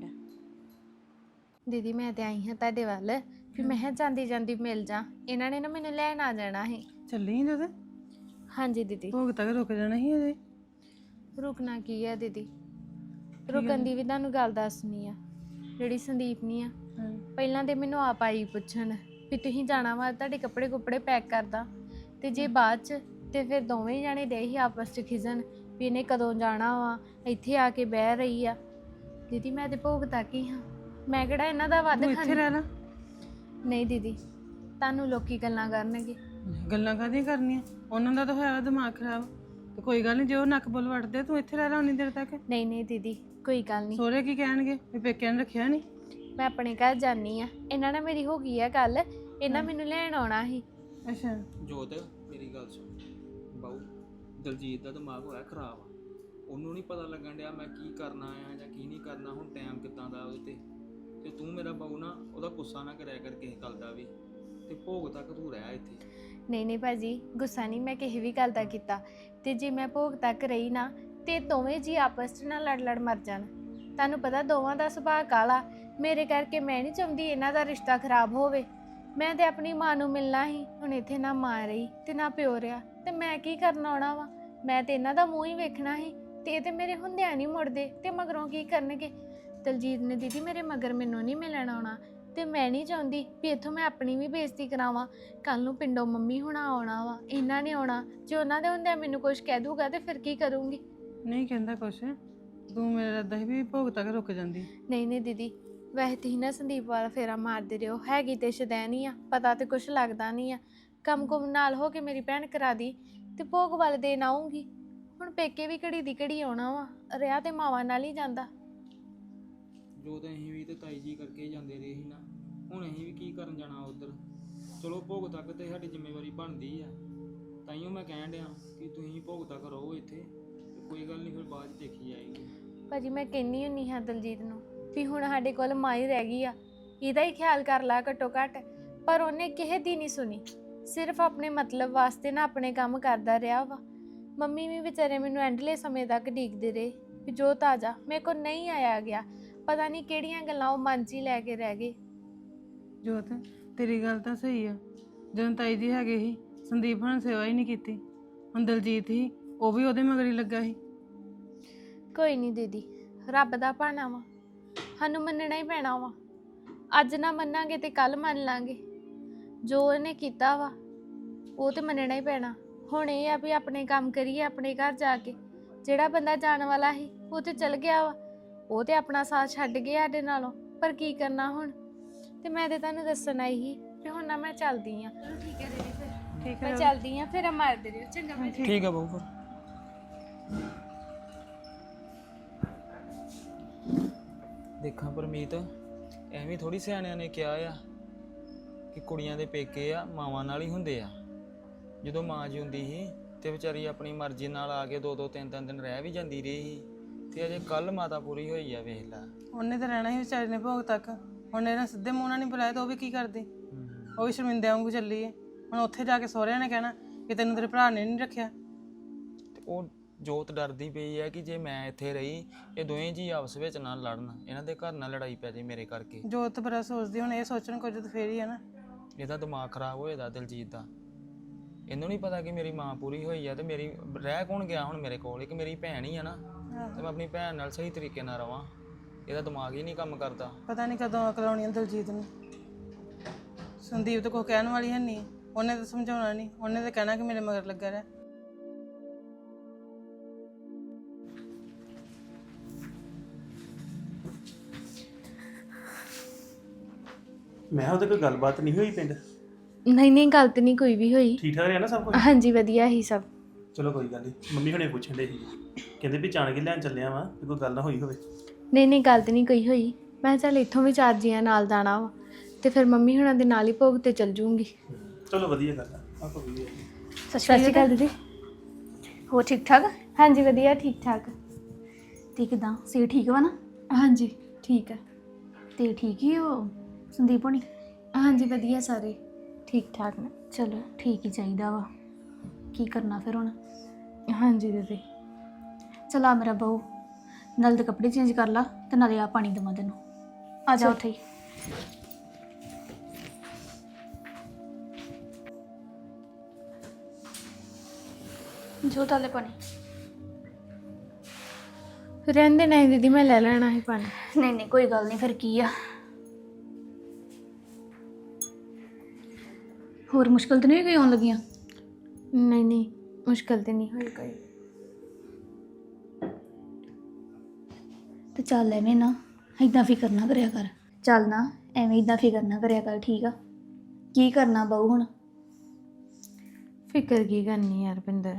Speaker 3: ਦੀਦੀ ਮੈਂ ਤੇ ਆਈ ਹਾਂ ਤੁਹਾਡੇ ਵੱਲ ਵੀ ਮੈਂ ਕਿਹਾ ਜਾਂਦੀ ਜਾਂਦੀ ਮਿਲ ਜਾ। ਇਹਨਾਂ ਨੇ ਨਾ ਮੈਨੂੰ ਲੈਣ ਆ ਜਾਣਾ ਸੀ।
Speaker 5: ਚੱਲੀ ਜਦ
Speaker 3: ਹਾਂਜੀ ਦੀਦੀ।
Speaker 5: ਭੋਗ ਤੱਕ ਰੁਕ ਜਾਣਾ ਸੀ ਅਜੇ।
Speaker 3: ਰੁਕਣਾ ਕੀ ਆ ਦੀਦੀ, ਰੁਕਣ ਦੀ ਵੀ ਤੁਹਾਨੂੰ ਗੱਲ ਦੱਸਣੀ ਆ। ਜਿਹੜੀ ਸੰਦੀਪ ਨਹੀਂ ਆ, ਪਹਿਲਾਂ ਤੇ ਮੈਨੂੰ ਆਪ ਆਈ ਪੁੱਛਣ ਵੀ ਤੁਸੀਂ ਜਾਣਾ ਵਾ, ਤੁਹਾਡੇ ਕੱਪੜੇ ਕੁੱਪੜੇ ਪੈਕ ਕਰਦਾ। ਤੇ ਜੇ ਬਾਅਦ ਚ ਤੇ ਫਿਰ ਦੋਵੇਂ ਜਾਣੇ ਦੇ ਹੀ ਆਪਸ ਚ ਖਿਜਣ ਵੀ ਇਹਨੇ ਕਦੋਂ ਜਾਣਾ ਵਾ, ਇੱਥੇ ਆ ਕੇ ਬਹਿ ਰਹੀ ਆ। ਦੀਦੀ ਮੈਂ ਤੇ ਭੋਗ ਤੱਕ ਹੀ ਹਾਂ, ਮੈਂ ਕਿਹੜਾ ਇਹਨਾਂ ਦਾ ਵੱਧ
Speaker 5: ਤੂੰ ਇੱਥੇ ਰਹਿ ਲਾ।
Speaker 3: ਨਹੀਂ ਦੀਦੀ, ਤੁਹਾਨੂੰ ਲੋਕੀ ਗੱਲਾਂ ਕਰਨਗੇ।
Speaker 5: ਗੱਲਾਂ ਕਾਹਦੀਆਂ ਕਰਨੀਆਂ? ਉਹਨਾਂ ਦਾ ਤਾਂ ਹੋਇਆ ਦਿਮਾਗ ਖਰਾਬ। ਤੇ ਕੋਈ ਗੱਲ ਨਹੀਂ, ਜੇ ਉਹ ਨੱਕ ਬੁੱਲ ਵੱਟਦੇ ਤੂੰ ਇੱਥੇ ਰਹਿ ਲਾ ਉਨੀ ਦੇਰ ਤੱਕ।
Speaker 3: ਨਹੀਂ ਨਹੀਂ ਦੀਦੀ, ਕੋਈ ਗੱਲ ਨਹੀਂ।
Speaker 5: ਸੋਹਰੇ ਕੀ ਕਹਿਣਗੇ ਵੀ ਪੇਕਿਆਂ ਨੇ ਰੱਖਿਆ ਨਹੀਂ?
Speaker 3: ਮੈਂ ਆਪਣੇ ਘਰ ਜਾਨੀ ਆ। ਇਹਨਾਂ ਨਾਲ ਮੇਰੀ ਹੋ ਗਈ ਆ ਗੱਲ। ਇਹਨਾਂ ਮੈਨੂੰ ਲੈਣ ਆਉਣਾ ਸੀ।
Speaker 5: ਅੱਛਾ।
Speaker 6: ਜੋਤ ਮੇਰੀ ਗੱਲ ਸੁਣ ਬਾਊ, ਦਲਜੀਤ ਦਾ ਦਿਮਾਗ ਹੋਇਆ ਖਰਾਬ। ਉਹਨੂੰ ਨਹੀਂ ਪਤਾ ਲੱਗਣ ਡਿਆ ਮੈਂ ਕੀ ਕਰਨਾ ਆ ਜਾਂ ਕੀ ਨਹੀਂ ਕਰਨਾ। ਹੁਣ ਟਾਈਮ ਕਿੱਦਾਂ ਦਾ ਉਹਦੇ ਤੇ ਤੂੰ ਮੇਰਾ ਬਾਊ ਨਾ ਉਹਦਾ ਗੁੱਸਾ ਨਾ ਕਰਿਆ ਕਰ ਕਿਸੇ ਗੱਲ ਦਾ ਵੀ। ਤੇ ਭੋਗ ਤੱਕ ਤੂੰ ਰਹਿ ਇੱਥੇ।
Speaker 3: ਨਹੀਂ ਨਹੀਂ ਭਾਜੀ, ਗੁੱਸਾ ਨਹੀਂ ਮੈਂ ਕਿਸੇ ਵੀ ਗੱਲ ਦਾ ਕੀਤਾ। ਤੇ ਜੇ ਮੈਂ ਭੋਗ ਤੱਕ ਰਹੀ ਨਾ ਤੇ ਦੋਵੇਂ ਜੀ ਆਪਸ 'ਚ ਨਾ ਲੜ ਲੜ ਮਰ ਜਾਣ। ਤੁਹਾਨੂੰ ਪਤਾ ਦੋਵਾਂ ਦਾ ਸੁਭਾਅ ਕਾਲਾ। ਮੇਰੇ ਕਰਕੇ ਮੈਂ ਨਹੀਂ ਚਾਹੁੰਦੀ ਇਹਨਾਂ ਦਾ ਰਿਸ਼ਤਾ ਖਰਾਬ ਹੋਵੇ। ਮੈਂ ਤੇ ਆਪਣੀ ਮਾਂ ਨੂੰ ਮਿਲਣਾ ਸੀ, ਹੁਣ ਇੱਥੇ ਨਾ ਮਾਂ ਰਹੀ ਤੇ ਨਾ ਪਿਓ ਰਿਹਾ, ਤੇ ਮੈਂ ਕੀ ਕਰਨਾ ਆਉਣਾ ਵਾ? ਮੈਂ ਤੇ ਇਹਨਾਂ ਦਾ ਮੂੰਹ ਹੀ ਵੇਖਣਾ ਸੀ। ਤੇ ਇਹ ਤੇ ਮੇਰੇ ਹੁੰਦਿਆਂ ਨਹੀਂ ਮੁੜਦੇ, ਤੇ ਮਗਰੋਂ ਕੀ ਕਰਨਗੇ? ਦਲਜੀਤ ਨੇ ਦੀਦੀ ਮੇਰੇ ਮਗਰ ਮੈਨੂੰ ਨਹੀਂ ਮਿਲਣ ਆਉਣਾ। ਤੇ ਮੈਂ ਨਹੀਂ ਚਾਹੁੰਦੀ ਵੀ ਇੱਥੋਂ ਮੈਂ ਆਪਣੀ ਵੀ ਬੇਇੱਜ਼ਤੀ ਕਰਾਵਾਂ। ਕੱਲ ਨੂੰ ਪਿੰਡੋਂ ਮੰਮੀ ਹੁਣਾ ਆਉਣਾ ਵਾ, ਇਹਨਾਂ ਨੇ ਆਉਣਾ। ਜੇ ਉਹਨਾਂ ਦੇ ਹੁੰਦਿਆਂ ਮੈਨੂੰ ਕੁਝ ਕਹਿ ਦੂਗਾ ਤੇ ਫਿਰ ਕੀ ਕਰੂੰਗੀ?
Speaker 5: ਨਹੀਂ ਕਹਿੰਦਾ ਕੁਛ। ਤੂੰ ਮੇਰਾ ਰੱਦਾ ਸੀ ਵੀ ਭੋਗ ਤੱਕ ਰੁਕ ਜਾਂਦੀ।
Speaker 3: ਨਹੀਂ ਨਹੀਂ ਦੀਦੀ, ਵੈਸੇ ਤੁਸੀਂ ਨਾ ਸੰਦੀਪ ਵਾਲਾ ਫੇਰਾ ਮਾਰਦੇ ਰਹੋ। ਹੈਗੀ ਤੇ ਸ਼ਦੈਨੀ ਆ, ਪਤਾ ਤੇ ਕੁਛ ਲੱਗਦਾ ਨਹੀਂ ਆ। ਕੰਮ ਕੁਮ ਨਾਲ ਹੋ ਕੇ ਮੇਰੀ ਭੈਣ ਕਰਾ ਦੀ ਤੇ ਭੋਗ ਵਾਲੇ ਦਿਨ ਆਉਂਗੀ। ਹੁਣ ਪੇਕੇ ਵੀ ਘੜੀ ਦੀ ਘੜੀ ਆਉਣਾ ਵਾ, ਰਿਆ ਤੇ ਮਾਵਾਂ ਨਾਲ ਹੀ ਜਾਂਦਾ।
Speaker 6: ਜੋ ਤਾਂ ਅਸੀਂ ਵੀ ਤੇ ਤਾਈ ਜੀ ਕਰਕੇ ਹੀ ਜਾਂਦੇ ਰਹੇ ਸੀ ਨਾ, ਹੁਣ ਅਸੀਂ ਵੀ ਕੀ ਕਰਨ ਜਾਣਾ ਉੱਧਰ। ਚਲੋ ਭੋਗ ਤੱਕ ਤੇ ਸਾਡੀ ਜ਼ਿੰਮੇਵਾਰੀ ਬਣਦੀ ਆ। ਤਾਈਓ ਮੈਂ ਕਹਿਣ ਡਿਆ ਕਿ ਤੁਸੀਂ ਭੋਗ ਤੱਕ ਰਹੋ ਇੱਥੇ, ਤੇ ਕੋਈ ਗੱਲ ਨਹੀਂ ਫਿਰ ਬਾਅਦ 'ਚ ਦੇਖੀ ਜਾਏਗੀ।
Speaker 3: ਭਾਜੀ ਮੈਂ ਕਹਿੰਦੀ ਹੁੰਦੀ ਹਾਂ ਦਲਜੀਤ ਨੂੰ ਵੀ ਹੁਣ ਸਾਡੇ ਕੋਲ ਮਾਂ ਹੀ ਰਹਿ ਗਈ ਆ, ਇਹਦਾ ਹੀ ਖਿਆਲ ਕਰ ਲਾ ਘੱਟੋ ਘੱਟ। ਪਰ ਉਹਨੇ ਕਿਸੇ ਦੀ ਨਹੀਂ ਸੁਣੀ, ਸਿਰਫ ਆਪਣੇ ਮਤਲਬ ਵਾਸਤੇ ਨਾ ਆਪਣੇ ਕੰਮ ਕਰਦਾ ਰਿਹਾ ਵਾ। ਮੰਮੀ ਵੀ ਵਿਚਾਰੇ ਮੈਨੂੰ ਐਂਡਲੇ ਸਮੇਂ ਤੱਕ ਡੀਕਦੇ ਰਹੇ ਵੀ ਜੋ ਤਾਜ਼ਾ ਮੇਰੇ ਕੋਲ ਨਹੀਂ ਆਇਆ ਗਿਆ। ਪਤਾ ਨਹੀਂ ਕਿਹੜੀਆਂ ਗੱਲਾਂ ਉਹ ਮਨ 'ਚ ਹੀ ਲੈ ਕੇ ਰਹਿ ਗਏ।
Speaker 5: ਜੋਤ ਤੇਰੀ ਗੱਲ ਤਾਂ ਸਹੀ ਆ। ਜਦੋਂ ਤਾਈ ਜੀ ਹੈਗੇ ਸੀ, ਸੰਦੀਪ ਹੁਣ ਸੇਵਾ ਹੀ ਨਹੀਂ ਕੀਤੀ। ਹੁਣ ਦਲਜੀਤ ਸੀ, ਉਹ ਵੀ ਉਹਦੇ ਮਗਰ ਹੀ ਲੱਗਾ ਸੀ।
Speaker 3: ਕੋਈ ਨਹੀਂ ਦੀਦੀ, ਰੱਬ ਦਾ ਭਾਣਾ ਵਾ, ਸਾਨੂੰ ਮੰਨਣਾ ਹੀ ਪੈਣਾ ਵਾ। ਅੱਜ ਨਾ ਮੰਨਾਂਗੇ ਤੇ ਕੱਲ ਮੰਨ ਲਾਂਗੇ। ਜੋ ਇਹਨੇ ਕੀਤਾ ਵਾ ਉਹ ਤੇ ਮੰਨਣਾ ਹੀ ਪੈਣਾ। ਹੁਣ ਇਹ ਆ ਵੀ ਆਪਣੇ ਕੰਮ ਕਰੀਏ ਆਪਣੇ ਘਰ ਜਾ ਕੇ। ਜਿਹੜਾ ਬੰਦਾ ਜਾਣ ਵਾਲਾ ਸੀ ਉਹ ਤੇ ਚਲ ਗਿਆ ਵਾ, ਉਹ ਤੇ ਆਪਣਾ ਸਾਥ ਛੱਡ ਗਿਆ ਸਾਡੇ ਨਾਲੋਂ। ਪਰ ਕੀ ਕਰਨਾ ਹੁਣ, ਤੇ ਮੈਂ ਤੇ ਤੁਹਾਨੂੰ ਦੱਸਣ ਆਈ ਸੀ ਕਿ ਹੁਣ ਨਾ ਮੈਂ ਚੱਲਦੀ ਆ। ਚਲੋ ਠੀਕ ਹੈ ਦੀਦੀ, ਫਿਰ
Speaker 5: ਠੀਕ
Speaker 3: ਮੈਂ
Speaker 5: ਹੈ
Speaker 3: ਚੱਲਦੀ ਆ, ਫਿਰ ਮਾਰਦੇ ਰਹੋ। ਚੰਗਾ ਮੈਂ
Speaker 6: ਠੀਕ ਆ ਬਾਊ ਫਿਰ। ਦੇਖਾਂ ਪਰਮੀਤ, ਐਵੇਂ ਥੋੜੀ ਸਿਆਣਿਆਂ ਨੇ ਕਿਹਾ ਆ ਕਿ ਕੁੜੀਆਂ ਦੇ ਪੇਕੇ ਆ ਮਾਵਾਂ ਨਾਲ ਹੀ ਹੁੰਦੇ ਆ। ਜਦੋਂ ਮਾਂ ਜਿਉਂਦੀ ਸੀ ਤੇ ਵਿਚਾਰੀ ਆਪਣੀ ਮਰਜ਼ੀ ਨਾਲ ਆ ਕੇ 2-2 3-3 ਦਿਨ ਰਹਿ ਵੀ ਜਾਂਦੀ ਰਹੀ ਸੀ, ਤੇ ਅਜੇ ਕੱਲ ਮਾਤਾ ਪੂਰੀ ਹੋਈ ਆ, ਵੇਖ ਲੈ।
Speaker 5: ਉਹਨੇ ਤਾਂ ਰਹਿਣਾ ਸੀ ਵਿਚਾਰੇ ਨੇ ਭੋਗ ਤੱਕ। ਹੁਣ ਇਹਨਾਂ ਸਿੱਧੇ ਮੂੰਹ ਨਾਲ ਨਹੀਂ ਬੁਲਾਇਆ ਤਾਂ ਉਹ ਵੀ ਕੀ ਕਰਦੀ? ਉਹ ਵੀ ਸ਼ਰਮਿੰਦੇ ਵਾਂਗੂ ਚੱਲੀ ਏ। ਹੁਣ ਉੱਥੇ ਜਾ ਕੇ ਸਹੁਰਿਆਂ ਨੇ ਕਹਿਣਾ ਕਿ ਤੈਨੂੰ ਤੇਰੇ ਭਰਾ ਨੇ ਨਹੀਂ ਰੱਖਿਆ।
Speaker 6: ਤੇ ਉਹ ਜੋਤ ਡਰਦੀ ਪਈ ਹੈ ਕਿ ਜੇ ਮੈਂ ਇੱਥੇ ਰਹੀ ਇਹ ਦੋਵੇਂ ਜੀ ਆਪਸ ਵਿੱਚ ਨਾ ਲੜਨ, ਇਹਨਾਂ ਦੇ ਘਰ ਨਾਲ ਲੜਾਈ ਪੈ ਜੇ ਮੇਰੇ ਕਰਕੇ।
Speaker 5: ਜੋਤ ਬੜਾ ਸੋਚਦੀ, ਹੁਣ ਇਹ ਸੋਚਣ ਕੁਝ ਤਾਂ ਫੇਰ ਹੀ ਆ ਨਾ।
Speaker 6: ਇਹਦਾ ਦਿਮਾਗ ਖਰਾਬ ਹੋਏਦਾ ਦਿਲਜੀਤ ਦਾ। ਇਹਨੂੰ ਨਹੀਂ ਪਤਾ ਕਿ ਮੇਰੀ ਮਾਂ ਪੂਰੀ ਹੋਈ ਆ, ਤੇ ਮੇਰੀ ਰਹਿ ਕੌਣ ਗਿਆ ਹੁਣ ਮੇਰੇ ਕੋਲ? ਇੱਕ ਮੇਰੀ ਭੈਣ ਹੀ ਆ ਨਾ, ਤੇ ਮੈਂ ਆਪਣੀ ਭੈਣ ਨਾਲ ਸਹੀ ਤਰੀਕੇ ਨਾਲ ਰਵਾਂ। ਇਹਦਾ ਦਿਮਾਗ ਹੀ ਨਹੀਂ ਕੰਮ ਕਰਦਾ।
Speaker 5: ਪਤਾ ਨਹੀਂ ਕਦੋਂ ਅਕਲ ਆਉਣੀ ਆ ਦਲਜੀਤ ਨੂੰ। ਸੰਦੀਪ ਤਾਂ ਕੋਈ ਕਹਿਣ ਵਾਲੀ ਹੈ ਨਹੀਂ, ਉਹਨੇ ਤਾਂ ਸਮਝਾਉਣਾ ਨਹੀਂ, ਉਹਨੇ ਤਾਂ ਕਹਿਣਾ ਕਿ ਮੇਰੇ ਮਗਰ ਲੱਗਾ ਰਹਿ।
Speaker 2: ਮੈਂ ਉਹਦੇ ਕੋਈ ਗੱਲਬਾਤ ਨਹੀਂ ਹੋਈ ਪਿੰਡ?
Speaker 3: ਨਹੀਂ ਗਲਤ ਨਹੀਂ ਕੋਈ ਵੀ ਹੋਈ।
Speaker 2: ਠੀਕ ਠਾਕ ਰਿਹਾ ਨਾ ਸਭ ਕੁਝ?
Speaker 3: ਹਾਂਜੀ ਵਧੀਆ ਹੀ ਸਭ।
Speaker 2: ਚਲੋ ਕੋਈ ਗੱਲ ਨਹੀਂ। ਮੰਮੀ ਹੁਣੇ ਪੁੱਛਣ ਦੇ ਸੀ, ਕਹਿੰਦੇ ਵੀ ਜਾਣ ਕੇ ਲੈਣ ਚੱਲਿਆ ਵਾਂ, ਵੀ ਕੋਈ ਗੱਲ ਨਾ ਹੋਈ ਹੋਵੇ।
Speaker 3: ਨਹੀਂ ਗਲਤ ਨਹੀਂ ਕੋਈ ਹੋਈ। ਮੈਂ ਚੱਲ ਇੱਥੋਂ ਵੀ 4 ਜੀਆਂ ਨਾਲ ਜਾਣਾ ਵਾ, ਤੇ ਫਿਰ ਮੰਮੀ ਹੁਣਾਂ ਦੇ ਨਾਲ ਹੀ ਭੋਗ ਤੇ ਚੱਲ ਜੂੰਗੀ।
Speaker 2: ਚਲੋ ਵਧੀਆ ਗੱਲ ਆ। ਆਪਾਂ ਵੀ
Speaker 3: ਸਤਿ ਸ਼੍ਰੀ ਅਕਾਲ ਦੀਦੀ।
Speaker 7: ਹੋ ਠੀਕ ਠਾਕ?
Speaker 3: ਹਾਂਜੀ ਵਧੀਆ ਠੀਕ ਠਾਕ।
Speaker 7: ਤੇ ਕਿਦਾਂ ਸੇ ਠੀਕ ਵਾ ਨਾ?
Speaker 3: ਹਾਂਜੀ ਠੀਕ ਹੈ।
Speaker 7: ਤੇ ਠੀਕ ਹੀ ਉਹ ਸੰਦੀਪ ਹੋਣੀ?
Speaker 3: ਹਾਂਜੀ ਵਧੀਆ ਸਾਰੇ ਠੀਕ ਠਾਕ ਨੇ।
Speaker 7: ਚਲੋ ਠੀਕ ਹੀ ਚਾਹੀਦਾ ਵਾ। ਕੀ ਕਰਨਾ ਫਿਰ ਹੁਣ?
Speaker 3: ਹਾਂਜੀ ਦੀਦੀ।
Speaker 7: ਚਲ ਆ ਮੇਰਾ ਬਹੂ, ਨਾਲ ਦੇ ਕੱਪੜੇ ਚੇਂਜ ਕਰ ਲਾ ਤੇ ਨਾਲੇ ਆ ਪਾਣੀ ਦੇਵਾਂ ਤੈਨੂੰ। ਆ ਜਾ ਉੱਥੇ ਹੀ। ਜੋ ਤਾਲੇ ਪਾਣੀ।
Speaker 3: ਰਹਿੰਦੇ ਨਹੀਂ ਦੀਦੀ, ਮੈਂ ਲੈ ਲੈਣਾ ਹੈ ਪਾਣੀ।
Speaker 7: ਨਹੀਂ ਕੋਈ ਗੱਲ ਨਹੀਂ, ਫਿਰ ਕੀ ਆ। ਹੋਰ ਮੁਸ਼ਕਲ ਤਾਂ ਨਹੀਂ ਕੋਈ ਆਉਣ ਲੱਗੀਆਂ?
Speaker 3: ਨਹੀਂ ਮੁਸ਼ਕਲ ਤੇ ਨਹੀਂ ਹੋਈ ਕੋਈ।
Speaker 7: ਤੇ ਚੱਲ ਐਵੇਂ ਨਾ ਇਦਾਂ ਫਿਕਰ ਨਾ ਕਰਿਆ ਕਰ। ਚੱਲ ਨਾ ਐਵੇਂ ਇਦਾਂ ਫਿਕਰ ਨਾ ਕਰਿਆ ਕਰ, ਠੀਕ ਆ? ਕੀ ਕਰਨਾ ਬਹੂ ਹੁਣ?
Speaker 3: ਫਿਕਰ ਕੀ ਕਰਨੀ ਯਾਰ ਪਿੰਦਰ,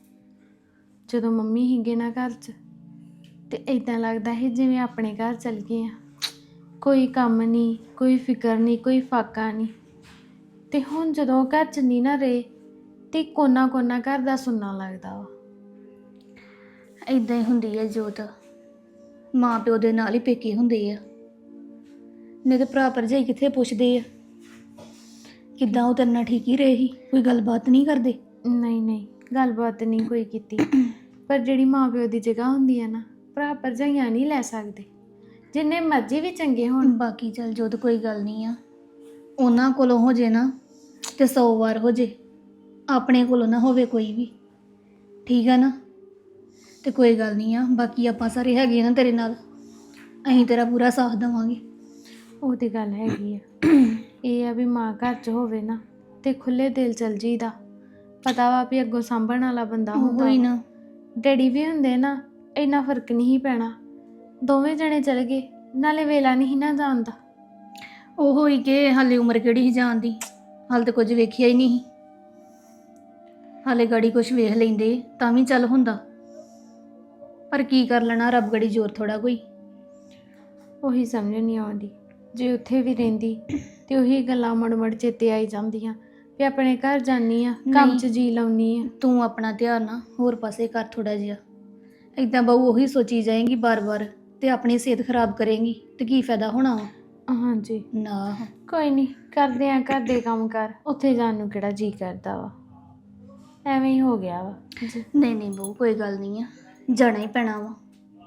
Speaker 3: ਜਦੋਂ ਮੰਮੀ ਹੀਗੇ ਨਾ ਘਰ 'ਚ ਤੇ ਇਦਾਂ ਲੱਗਦਾ ਹੈ ਜਿਵੇਂ ਆਪਣੇ ਘਰ ਚਲ ਗਏ ਆ। ਕੋਈ ਕੰਮ ਨਹੀਂ, ਕੋਈ ਫਿਕਰ ਨਹੀਂ, ਕੋਈ ਫਾਕਾ ਨਹੀਂ। ਤੇ ਹੁਣ ਜਦੋਂ ਘਰ 'ਚ ਨਹੀਂ ਨਾ ਰਹੇ ਤੇ ਕੋਨਾ ਘਰ ਦਾ ਸੁਣਨਾ ਲੱਗਦਾ ਵਾ।
Speaker 7: ਇਦਾਂ ਹੀ ਹੁੰਦੀ ਹੈ ਜੋਤ, ਮਾਂ ਪਿਓ ਦੇ ਨਾਲ ਹੀ ਪੇਕੇ ਹੁੰਦੇ ਆ। ਨਹੀਂ ਤੇ ਭਰਾ ਭਰਜਾਈ ਕਿੱਥੇ ਪੁੱਛਦੇ ਆ ਕਿੱਦਾਂ ਉਹ ਤੇਰੇ ਨਾਲ ਠੀਕ ਹੀ ਰਹੇ ਸੀ, ਕੋਈ ਗੱਲਬਾਤ ਨਹੀਂ ਕਰਦੇ?
Speaker 3: ਨਹੀਂ ਗੱਲਬਾਤ ਨਹੀਂ ਕੋਈ ਕੀਤੀ। ਪਰ ਜਿਹੜੀ ਮਾਂ ਪਿਓ ਦੀ ਜਗ੍ਹਾ ਹੁੰਦੀ ਹੈ ਨਾ, ਭਰਾ ਭਰਜਾਈਆਂ ਨਹੀਂ ਲੈ ਸਕਦੇ, ਜਿੰਨੇ ਮਰਜ਼ੀ ਵੀ ਚੰਗੇ ਹੋਣ।
Speaker 7: ਬਾਕੀ ਚੱਲ ਜੋਤ ਕੋਈ ਗੱਲ ਨਹੀਂ ਆ, ਉਹਨਾਂ ਕੋਲੋਂ ਹੋ ਜੇ ਨਾ ਤੇ 100 ਵਾਰ ਹੋ ਜੇ, ਆਪਣੇ ਕੋਲੋਂ ਨਾ ਹੋਵੇ ਕੋਈ ਵੀ, ਠੀਕ ਆ ਨਾ? ਤੇ ਕੋਈ ਗੱਲ ਨਹੀਂ ਆ, ਬਾਕੀ ਆਪਾਂ ਸਾਰੇ ਹੈਗੇ ਆ ਨਾ ਤੇਰੇ ਨਾਲ, ਅਸੀਂ ਤੇਰਾ ਪੂਰਾ ਸਾਥ ਦੇਵਾਂਗੇ।
Speaker 3: ਉਹ ਤੇ ਗੱਲ ਹੈਗੀ ਆ। ਇਹ ਆ ਵੀ ਮਾਂ ਘਰ 'ਚ ਹੋਵੇ ਨਾ ਤੇ ਖੁੱਲੇ ਦਿਲ ਚਲ ਜੀਦਾ। ਪਤਾ ਵਾ ਵੀ ਅੱਗੋਂ ਸਾਂਭਣ ਵਾਲਾ ਬੰਦਾ ਹੁੰਦਾ।
Speaker 7: ਹੋਈ ਨਾ
Speaker 3: ਡੈਡੀ ਵੀ ਹੁੰਦੇ ਨਾ, ਇੰਨਾ ਫਰਕ ਨਹੀਂ ਪੈਣਾ। ਦੋਵੇਂ ਜਣੇ ਚਲ ਗਏ, ਨਾਲੇ ਵੇਲਾ ਨਹੀਂ ਨਾ ਜਾਣਦਾ।
Speaker 7: ਉਹ ਹੋਈ ਕਿ ਹਾਲੇ ਉਮਰ ਕਿਹੜੀ ਸੀ ਜਾਣ ਦੀ, ਹਾਲੇ ਤਾਂ ਕੁਝ ਵੇਖਿਆ ਹੀ ਨਹੀਂ। ਹਾਲੇ ਗਾੜੀ ਕੁਝ ਵੇਖ ਲੈਂਦੇ ਤਾਂ ਵੀ ਚੱਲ ਹੁੰਦਾ, ਪਰ ਕੀ ਕਰ ਲੈਣਾ, ਰੱਬ ਗੜੀ ਜ਼ੋਰ ਥੋੜਾ ਕੋਈ।
Speaker 3: ਉਹੀ ਸਮਝ ਨਹੀਂ ਆਉਂਦੀ। ਜੇ ਉੱਥੇ ਵੀ ਰਹਿੰਦੀ ਤੇ ਉਹੀ ਗੱਲਾਂ ਮੁੜ ਚੇਤੇ ਆਈ ਜਾਂਦੀਆਂ ਵੀ ਆਪਣੇ ਘਰ ਜਾਨੀ ਆ, ਕੰਮ 'ਚ ਜੀ ਲਾਉਣੀ ਆ।
Speaker 7: ਤੂੰ ਆਪਣਾ ਧਿਆਨ ਨਾ ਹੋਰ ਪਾਸੇ ਕਰ ਥੋੜਾ ਜਿਹਾ। ਇਦਾਂ ਬਹੂ ਉਹੀ ਸੋਚੀ ਜਾਏਗੀ ਬਾਰ-ਬਾਰ ਤੇ ਆਪਣੀ ਸਿਹਤ ਖਰਾਬ ਕਰੇਂਗੀ ਤੇ ਕੀ ਫਾਇਦਾ ਹੋਣਾ ਵਾ?
Speaker 3: ਹਾਂਜੀ
Speaker 7: ਨਾ
Speaker 3: ਕੋਈ ਨਹੀਂ, ਕਰਦੇ ਆ ਘਰ ਦੇ ਕੰਮ ਕਰ, ਉੱਥੇ ਜਾਣ ਨੂੰ ਕਿਹੜਾ ਜੀ ਕਰਦਾ ਵਾ। ਐਵੇਂ ਹੀ ਹੋ ਗਿਆ ਵਾ ਜੀ।
Speaker 7: ਨਹੀਂ ਬਹੂ ਕੋਈ ਗੱਲ ਨਹੀਂ ਆ, ਜਾਣਾ ਹੀ ਪੈਣਾ ਵਾ।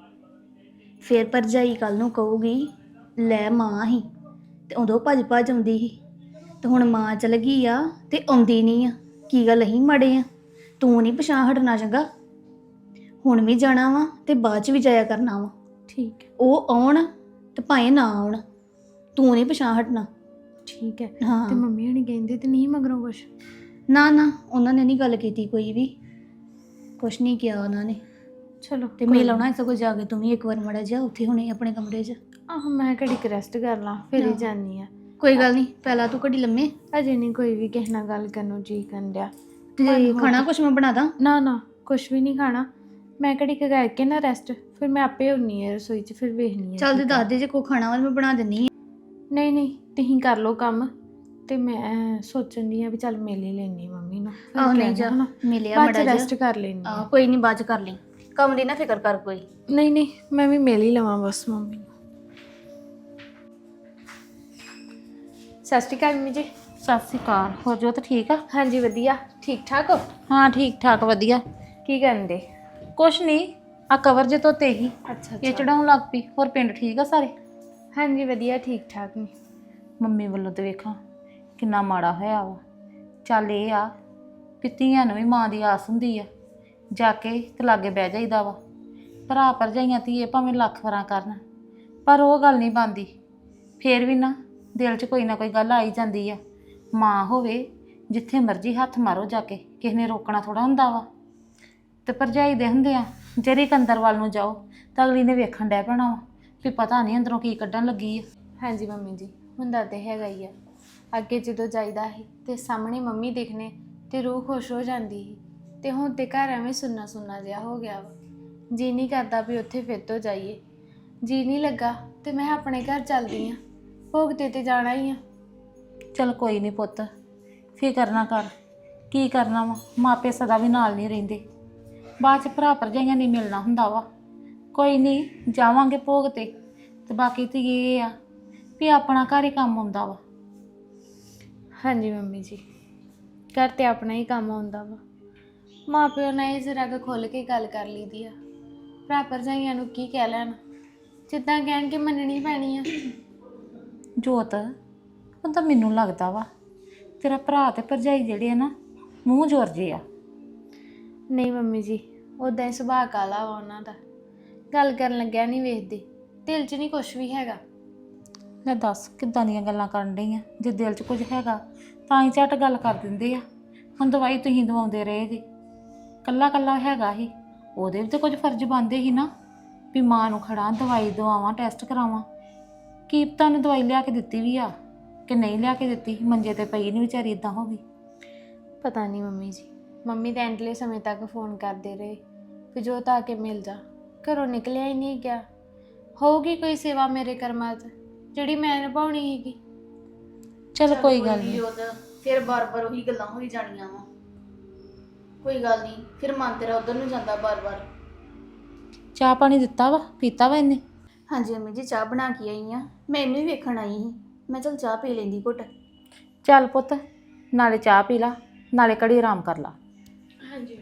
Speaker 7: ਫਿਰ ਭਰਜਾਈ ਕੱਲ ਨੂੰ ਕਹੂਗੀ ਲੈ ਮਾਂ ਹੀ ਤੇ ਉਦੋਂ ਭੱਜ ਆਉਂਦੀ ਸੀ, ਤੇ ਹੁਣ ਮਾਂ ਚਲ ਗਈ ਆ ਤੇ ਆਉਂਦੀ ਨਹੀਂ ਆ। ਕੀ ਗੱਲ ਅਸੀਂ ਮਾੜੇ ਆ? ਤੂੰ ਨਹੀਂ ਪਛਾਣ ਹਟਣਾ, ਚੰਗਾ? ਹੁਣ ਵੀ ਜਾਣਾ ਵਾ ਤੇ ਬਾਅਦ ਚ ਵੀ ਜਾਇਆ ਕਰਨਾ ਵਾ।
Speaker 3: ਠੀਕ ਹੈ।
Speaker 7: ਉਹ ਆਉਣ ਤੇ ਭਾਵੇਂ ਨਾ ਆਉਣ, ਤੂੰ ਨਹੀਂ ਪਛਾਣ ਹਟਣਾ।
Speaker 3: ਠੀਕ ਹੈ।
Speaker 7: ਹਾਂ
Speaker 3: ਤੇ ਮੰਮੀ ਹਣੀ ਕਹਿੰਦੇ ਤੇ ਨਹੀਂ ਮਗਰੋਂ ਕੁਛ?
Speaker 7: ਨਾ ਨਾ ਉਹਨਾਂ ਨੇ ਨਹੀਂ ਗੱਲ ਕੀਤੀ ਕੋਈ ਵੀ, ਕੁਛ ਨਹੀਂ ਕਿਹਾ ਉਹਨਾਂ ਨੇ।
Speaker 3: ਚਲੋ
Speaker 7: ਤੇ ਮਿਲ ਆਉਣਾ ਸਗੋਂ ਜਾ ਕੇ ਤੂੰ ਵੀ ਇੱਕ ਵਾਰ ਮੜਾ ਜਾ ਉੱਥੇ ਹੁਣੇ ਆਪਣੇ ਕਮਰੇ 'ਚ।
Speaker 3: ਆਹ ਮੈਂ ਘੜੀ ਕੁ ਰੈਸਟ ਕਰ ਲਾਂ ਫਿਰ ਹੀ ਜਾਨੀ ਆ।
Speaker 7: ਕੋਈ ਗੱਲ ਨਹੀਂ, ਪਹਿਲਾਂ ਤੂੰ ਘੜੀ ਲੰਮੇ
Speaker 3: ਅਜੇ ਨਹੀਂ ਕੋਈ ਵੀ ਕਿਸੇ ਨਾਲ ਗੱਲ ਕਰਨ ਨੂੰ ਜੀ ਕਰਨ ਡਿਆ।
Speaker 7: ਤੇ ਖਾਣਾ ਕੁਛ ਮੈਂ ਬਣਾ ਦਾਂ?
Speaker 3: ਨਾ ਨਾ ਕੁਛ ਵੀ ਨਹੀਂ ਖਾਣਾ, ਮੈਂ ਘੜੀ ਕੁ ਕਰਕੇ ਨਾ ਰੈਸਟ, ਫਿਰ ਮੈਂ ਆਪੇ ਹੁੰਨੀ ਆ ਰਸੋਈ 'ਚ, ਫਿਰ ਵੇਖਣੀ ਆ।
Speaker 7: ਚੱਲ ਤੇ ਦੱਸ ਦੇ ਜੇ ਕੋਈ ਖਾਣਾ ਵਾ ਮੈਂ ਬਣਾ ਦਿੰਨੀ ਆ।
Speaker 3: ਨਹੀਂ ਨਹੀਂ ਤੁਸੀਂ ਕਰ ਲਓ ਕੰਮ, ਤੇ ਮੈਂ ਸੋਚਣ ਦੀ ਆ ਵੀ ਚੱਲ ਮਿਲ ਹੀ ਲੈਣੀ ਮੰਮੀ ਨੂੰ। ਫਿਰ
Speaker 7: ਆਹ ਨਹੀਂ
Speaker 3: ਕਹਿਣਾ
Speaker 7: ਜਾ,
Speaker 3: ਹਨਾ,
Speaker 7: ਮਿਲਿਆ
Speaker 3: ਬਾਅਦ
Speaker 7: ਮੜਾ
Speaker 3: ਚ
Speaker 7: ਜਾ।
Speaker 3: ਰੈਸਟ ਕਰ ਲੈਣੀ ਆ।
Speaker 7: ਕੋਈ ਨਹੀਂ, ਬਾਅਦ ਚ ਕਰ ਲਈ, ਕੰਮ ਦੀ ਨਾ ਫਿਕਰ ਕਰ ਕੋਈ।
Speaker 3: ਨਹੀਂ ਨਹੀਂ ਮੈਂ ਵੀ ਮਿਲ ਹੀ ਲਵਾਂ ਬਸ ਮੰਮੀ ਨੂੰ। ਸਤਿ ਸ਼੍ਰੀ ਅਕਾਲ ਮੰਮੀ ਜੀ।
Speaker 8: ਸਤਿ ਸ਼੍ਰੀ ਅਕਾਲ। ਹੋਰ ਜੋਤ ਠੀਕ ਆ?
Speaker 3: ਹਾਂਜੀ ਵਧੀਆ, ਠੀਕ ਠਾਕ ਹੋ?
Speaker 8: ਹਾਂ ਠੀਕ ਠਾਕ ਵਧੀਆ।
Speaker 3: ਕੀ ਕਰਨ ਦੇ?
Speaker 8: ਕੁਛ ਨਹੀਂ, ਆ ਕਵਰ ਜੇ ਧੋਤੇ ਹੀ
Speaker 3: ਅੱਛਾ
Speaker 8: ਇਹ ਚੜਾਉਣ ਲੱਗ ਪਈ। ਹੋਰ ਪਿੰਡ ਠੀਕ ਆ ਸਾਰੇ?
Speaker 3: ਹਾਂਜੀ ਵਧੀਆ ਠੀਕ ਠਾਕ ਨੇ।
Speaker 8: ਮੰਮੀ ਵੱਲੋਂ ਤੇ ਵੇਖਾਂ ਕਿੰਨਾ ਮਾੜਾ ਹੋਇਆ ਵਾ। ਚੱਲ ਇਹ ਆ ਵੀ ਧੀਆਂ ਨੂੰ ਵੀ ਮਾਂ ਦੀ ਆਸ ਹੁੰਦੀ ਆ, ਜਾ ਕੇ ਤੇ ਲਾਗੇ ਬਹਿ ਜਾਈਦਾ ਵਾ। ਭਰਾ ਭਰਜਾਈਆਂ ਧੀਏ ਭਾਵੇਂ ਲੱਖ ਵਾਰਾਂ ਕਰਨ, ਪਰ ਉਹ ਗੱਲ ਨਹੀਂ ਬਣਦੀ। ਫੇਰ ਵੀ ਨਾ ਦਿਲ 'ਚ ਕੋਈ ਨਾ ਕੋਈ ਗੱਲ ਆਈ ਜਾਂਦੀ ਆ। ਮਾਂ ਹੋਵੇ ਜਿੱਥੇ ਮਰਜ਼ੀ ਹੱਥ ਮਾਰੋ ਜਾ ਕੇ, ਕਿਸੇ ਨੇ ਰੋਕਣਾ ਥੋੜਾ ਹੁੰਦਾ ਵਾ। ਤੇ ਭਰਜਾਈ ਦੇ ਹੁੰਦੇ ਆ ਜਿਹੜੀ ਕੰਦਰ ਵੱਲ ਨੂੰ ਜਾਓ ਤਾਂ ਅਗਲੀ ਨੇ ਵੇਖਣ ਡੈ ਪੈਣਾ ਵਾ ਵੀ ਪਤਾ ਨਹੀਂ ਅੰਦਰੋਂ ਕੀ ਕੱਢਣ ਲੱਗੀ ਆ।
Speaker 3: ਹਾਂਜੀ ਮੰਮੀ ਜੀ, ਹੁੰਦਾ ਤੇ ਹੈਗਾ ਹੀ ਆ। ਅੱਗੇ ਜਦੋਂ ਜਾਈਦਾ ਸੀ ਤੇ ਸਾਹਮਣੇ ਮੰਮੀ ਦਿਖਣੇ ਤੇ ਰੂਹ ਖੁਸ਼ ਹੋ ਜਾਂਦੀ ਸੀ, ਤੇ ਹੁਣ ਤੇ ਘਰ ਐਵੇਂ ਸੁੰਨਾ ਸੁੰਨਾ ਜਿਹਾ ਹੋ ਗਿਆ ਵਾ। ਜੀ ਨਹੀਂ ਕਰਦਾ ਵੀ ਉੱਥੇ ਫਿਰ ਤੋਂ ਜਾਈਏ। ਜੀ ਨਹੀਂ ਲੱਗਾ ਤੇ ਮੈਂ ਆਪਣੇ ਘਰ ਚੱਲਦੀ ਆ, ਭੋਗ ਤੇ ਜਾਣਾ ਹੀ ਆ।
Speaker 8: ਚਲ ਕੋਈ ਨਹੀਂ ਪੁੱਤ, ਫਿਕਰ ਨਾ ਕਰ। ਕੀ ਕਰਨਾ ਵਾ, ਮਾਪੇ ਸਦਾ ਵੀ ਨਾਲ ਨਹੀਂ ਰਹਿੰਦੇ। ਬਾਅਦ 'ਚ ਭਰਾ ਭਰਜਾਈਆਂ ਨਹੀਂ ਮਿਲਣਾ ਹੁੰਦਾ ਵਾ। ਕੋਈ ਨਹੀਂ, ਜਾਵਾਂਗੇ ਭੋਗ ਤੇ ਬਾਕੀ ਤੇ ਇਹ ਆ ਵੀ ਆਪਣਾ ਘਰ ਹੀ ਕੰਮ ਆਉਂਦਾ ਵਾ।
Speaker 3: ਹਾਂਜੀ ਮੰਮੀ ਜੀ, ਘਰ ਤੇ ਆਪਣਾ ਹੀ ਕੰਮ ਆਉਂਦਾ ਵਾ। ਮਾਂ ਪਿਓ ਨਾਲ ਇਹ ਜ਼ਰਾ ਕੁ ਖੁੱਲ੍ਹ ਕੇ ਗੱਲ ਕਰ ਲਈਦੀ ਆ। ਭਰਾ ਭਰਜਾਈਆਂ ਨੂੰ ਕੀ ਕਹਿ ਲੈਣ, ਜਿੱਦਾਂ ਕਹਿਣਗੇ ਮੰਨਣੀ ਪੈਣੀ ਆ।
Speaker 8: ਜੋਤ ਹੁਣ ਤਾਂ ਮੈਨੂੰ ਲੱਗਦਾ ਵਾ ਤੇਰਾ ਭਰਾ ਤੇ ਭਰਜਾਈ ਜਿਹੜੇ ਆ ਨਾ ਮੂੰਹ ਜੋਰ ਜੇ ਆ।
Speaker 3: ਨਹੀਂ ਮੰਮੀ ਜੀ, ਉੱਦਾਂ ਹੀ ਸੁਭਾਅ ਕਾਲਾ ਵਾ ਉਹਨਾਂ ਦਾ, ਗੱਲ ਕਰਨ ਲੱਗਿਆ ਨਹੀਂ ਵੇਖਦੇ, ਦਿਲ 'ਚ ਨਹੀਂ ਕੁਛ ਵੀ ਹੈਗਾ।
Speaker 8: ਲੈ ਦੱਸ ਕਿੱਦਾਂ ਦੀਆਂ ਗੱਲਾਂ ਕਰਨ ਡਈ ਆ। ਜੇ ਦਿਲ 'ਚ ਕੁਝ ਹੈਗਾ ਤਾਂ ਹੀ ਝੱਟ ਗੱਲ ਕਰ ਦਿੰਦੇ ਆ। ਹੁਣ ਦਵਾਈ ਤੁਸੀਂ ਦਵਾਉਂਦੇ ਰਹੇ ਜੀ, ਕੱਲਾ ਕੱਲਾ ਹੈਗਾ ਹੀ, ਉਹਦੇ ਵੀ ਤਾਂ ਕੁਝ ਫਰਜ਼ ਬਣਦੇ ਸੀ ਨਾ ਵੀ ਮਾਂ ਨੂੰ ਖੜਾ ਦਵਾਈ ਦਵਾਵਾਂ, ਟੈਸਟ ਕਰਾਵਾਂ। ਕੀਪਤਾ ਨੇ ਦਵਾਈ ਲਿਆ ਕੇ ਦਿੱਤੀ ਵੀ ਆ ਕਿ ਨਹੀਂ ਲਿਆ ਕੇ ਦਿੱਤੀ? ਮੰਜੇ ਤੇ ਪਈ ਨਹੀਂ ਵਿਚਾਰੀ, ਇਦਾਂ ਹੋ ਗਈ।
Speaker 3: ਪਤਾ ਨਹੀਂ ਮੰਮੀ ਜੀ, ਮੰਮੀ ਤਾਂ ਐਂਡਲੇ ਸਮੇਂ ਤੱਕ ਫੋਨ ਕਰਦੇ ਰਹੇ ਵੀ ਜੋਤ ਆ ਕੇ ਮਿਲ ਜਾ, ਘਰੋਂ ਨਿਕਲਿਆ ਹੀ ਨਹੀਂ ਗਿਆ। ਹੋਊਗੀ ਕੋਈ ਸੇਵਾ ਮੇਰੇ ਕਰਮਾਂ 'ਚ ਜਿਹੜੀ ਮੈਂ ਨਿਭਾਉਣੀ ਸੀਗੀ।
Speaker 8: ਚਲ ਕੋਈ ਗੱਲ ਨਹੀਂ।
Speaker 7: ਫਿਰ ਬਾਰ-ਬਾਰ ਉਹੀ ਗੱਲਾਂ ਹੋਈ ਜਾਣੀਆਂ ਵਾ। ਕੋਈ ਗੱਲ ਨਹੀਂ, ਫਿਰ ਮਨ ਤੇਰਾ ਉਧਰ ਨੂੰ ਜਾਂਦਾ ਬਾਰ-ਬਾਰ।
Speaker 8: ਚਾਹ ਪਾਣੀ ਦਿੱਤਾ ਵਾ, ਪੀਤਾ ਵਾ ਇਹਨੇ?
Speaker 7: ਹਾਂਜੀ ਮੰਮੀ ਜੀ, ਚਾਹ ਬਣਾ ਕੇ ਆਈ ਆ। ਮੈਂ ਇਹਨੂੰ ਹੀ ਵੇਖਣ ਆਈ ਸੀ, ਮੈਂ ਚਲ ਚਾਹ ਪੀ ਲੈਂਦੀ ਘੁੱਟ।
Speaker 8: ਚੱਲ ਪੁੱਤ, ਨਾਲੇ ਚਾਹ ਪੀ ਲਾ ਨਾਲੇ ਘੜੀ ਆਰਾਮ ਕਰ ਲਾ।
Speaker 3: ਹਾਂਜੀ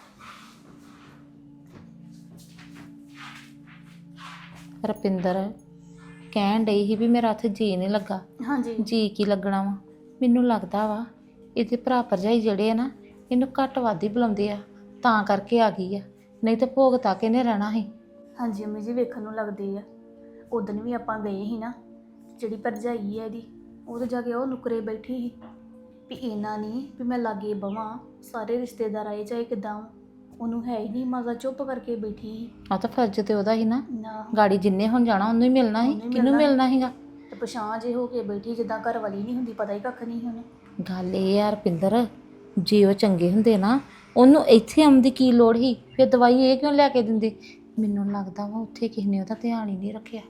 Speaker 8: ਰੁਪਿੰਦਰ ਕਹਿਣ ਡਈ ਸੀ ਵੀ ਮੇਰਾ ਉੱਥੇ ਜੀ ਨਹੀਂ ਲੱਗਾ।
Speaker 7: ਹਾਂਜੀ
Speaker 8: ਜੀ ਕੀ ਲੱਗਣਾ ਵਾ, ਮੈਨੂੰ ਲੱਗਦਾ ਵਾ ਇਹਦੇ ਭਰਾ ਭਰਜਾਈ ਜਿਹੜੇ ਆ ਨਾ ਇਹਨੂੰ ਘੱਟ ਵੱਧ ਹੀ ਬੁਲਾਉਂਦੇ ਆ, ਤਾਂ ਕਰਕੇ ਆ ਗਈ ਆ। ਨਹੀਂ ਤਾਂ ਭੋਗ ਤੱਕ ਇਹਨੇ ਰਹਿਣਾ ਸੀ।
Speaker 7: ਹਾਂਜੀ ਮੰਮੀ ਜੀ, ਵੇਖਣ ਨੂੰ ਲੱਗਦੇ ਆ। ਉਦਣ ਵੀ ਆਪਾਂ ਗਏ ਸੀ ਨਾ, ਜਿਹੜੀ ਭਰਜਾਈ ਹੈ ਇਹਦੀ, ਉਹ ਤਾਂ ਜਾ ਕੇ ਉਹ ਨੁਕਰੇ ਬੈਠੀ ਸੀ ਵੀ ਇਹਨਾਂ ਨਹੀਂ ਵੀ ਮੈਂ ਲਾਗੇ ਬਵਾਂ, ਸਾਰੇ ਰਿਸ਼ਤੇਦਾਰ ਆਏ ਚਾਹੇ ਕਿੱਦਾਂ। ਉਹਨੂੰ ਹੈ ਹੀ ਨਹੀਂ, ਮਜ਼ਾ ਚੁੱਪ ਕਰਕੇ ਬੈਠੀ ਸੀ।
Speaker 8: ਆ ਤਾਂ ਫਰਜ਼ ਤੇ ਉਹਦਾ ਹੀ ਨਾ,
Speaker 7: ਨਾ
Speaker 8: ਗਾੜੀ ਜਿੰਨੇ ਹੁਣ ਜਾਣਾ ਉਹਨੂੰ ਹੀ ਮਿਲਣਾ ਸੀ। ਕਿਹਨੂੰ ਮਿਲਣਾ ਸੀਗਾ?
Speaker 7: ਤੇ ਪਛਾਣ ਜੇ ਹੋ ਕੇ ਬੈਠੀ ਜਿੱਦਾਂ ਘਰ ਵਾਲੀ ਨਹੀਂ ਹੁੰਦੀ, ਪਤਾ ਹੀ ਕੱਖ ਨਹੀਂ ਉਹਨੂੰ।
Speaker 8: ਗੱਲ ਇਹ ਆ ਰੁਪਿੰਦਰ, ਜੇ ਉਹ ਚੰਗੇ ਹੁੰਦੇ ਨਾ ਉਹਨੂੰ ਇੱਥੇ ਆਉਣ ਦੀ ਕੀ ਲੋੜ ਸੀ? ਫਿਰ ਦਵਾਈ ਇਹ ਕਿਉਂ ਲੈ ਕੇ ਦਿੰਦੇ? ਮੈਨੂੰ ਲੱਗਦਾ ਵਾ ਉੱਥੇ ਕਿਸੇ ਨੇ ਉਹਦਾ ਧਿਆਨ ਹੀ ਨਹੀਂ ਰੱਖਿਆ।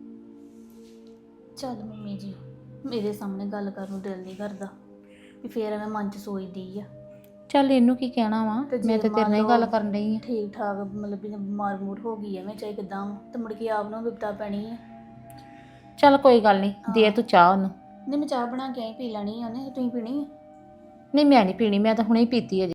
Speaker 7: ਚੱਲ ਮੰਮੀ ਜੀ, ਮੇਰੇ ਸਾਹਮਣੇ ਗੱਲ ਕਰਨ ਨੂੰ ਦਿਲ ਨਹੀਂ ਕਰਦਾ ਵੀ ਫੇਰ ਐਵੇਂ ਮਨ 'ਚ ਸੋਚਦੀ ਆ।
Speaker 8: ਚੱਲ ਇਹਨੂੰ ਕੀ ਕਹਿਣਾ ਵਾ,
Speaker 7: ਤੇ
Speaker 8: ਮੈਂ
Speaker 7: ਜੇ
Speaker 8: ਤੇ ਤੇਰੇ ਨਾਲ ਹੀ
Speaker 7: ਮੰਨ
Speaker 8: ਗੱਲ
Speaker 7: ਲਓ
Speaker 8: ਕਰਨ ਡਈ ਆ।
Speaker 7: ਠੀਕ ਠਾਕ ਮਤਲਬ ਵੀ ਬਿਮਾਰ ਮੂਰ ਹੋ ਗਈ ਐਵੇਂ ਚਾਹੇ ਕਿੱਦਾਂ, ਤੇ ਮੁੜ ਕੇ ਆਪ ਨੂੰ ਵਿਪਤਾ ਪੈਣੀ ਆ।
Speaker 8: ਚੱਲ ਕੋਈ ਗੱਲ ਨਹੀਂ, ਦੇ ਤੂੰ ਚਾਹ ਉਹਨੂੰ।
Speaker 7: ਨਹੀਂ ਮੈਂ ਚਾਹ ਬਣਾ ਕੇ ਆਈ, ਪੀ ਲੈਣੀ ਆ ਉਹਨੇ, ਤੁਸੀਂ ਪੀਣੀ ਆ?
Speaker 8: ਨਹੀਂ ਮੈਂ ਨਹੀਂ ਪੀਣੀ, ਮੈਂ ਤਾਂ ਹੁਣੇ ਹੀ ਪੀਤੀ ਅਜੇ।